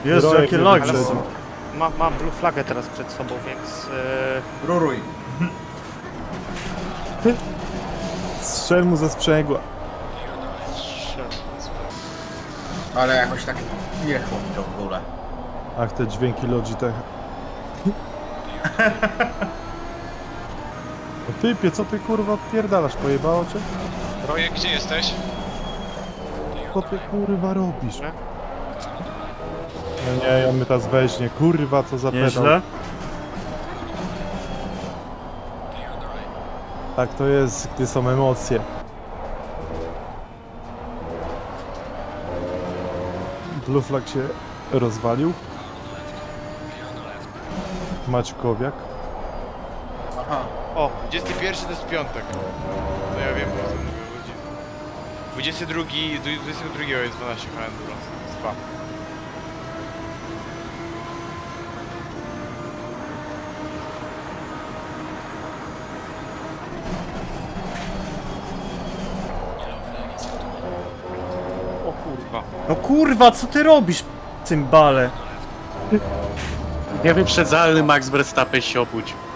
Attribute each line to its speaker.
Speaker 1: Jezu, jakie lagi
Speaker 2: Ale
Speaker 1: są.
Speaker 2: mam blue flagę teraz przed sobą, więc...
Speaker 3: Ruruj.
Speaker 4: Strzel mu ze sprzęgła.
Speaker 3: Ale jakoś tak jechło mi to w ogóle.
Speaker 4: Ach, te dźwięki Logitech. No typie, co ty kurwa odpierdalasz? Pojebało cię?
Speaker 5: Rojek, gdzie jesteś?
Speaker 4: Co ty kurwa robisz?
Speaker 2: Nie?
Speaker 4: No nie, on mnie teraz weźmie. Kurwa, co za pedał.
Speaker 1: Nieźle.
Speaker 4: Tak to jest, gdy są emocje. Blue flag się rozwalił. Maćkowiak.
Speaker 3: Aha.
Speaker 6: O, 21 to jest piątek. To ja wiem, bo to mówię o godzinie. 22 jest 12 enduro. Spa.
Speaker 2: O kurwa.
Speaker 1: No kurwa, co ty robisz, cymbale?
Speaker 7: Niewyprzedzalny Max Verstappen się obudź.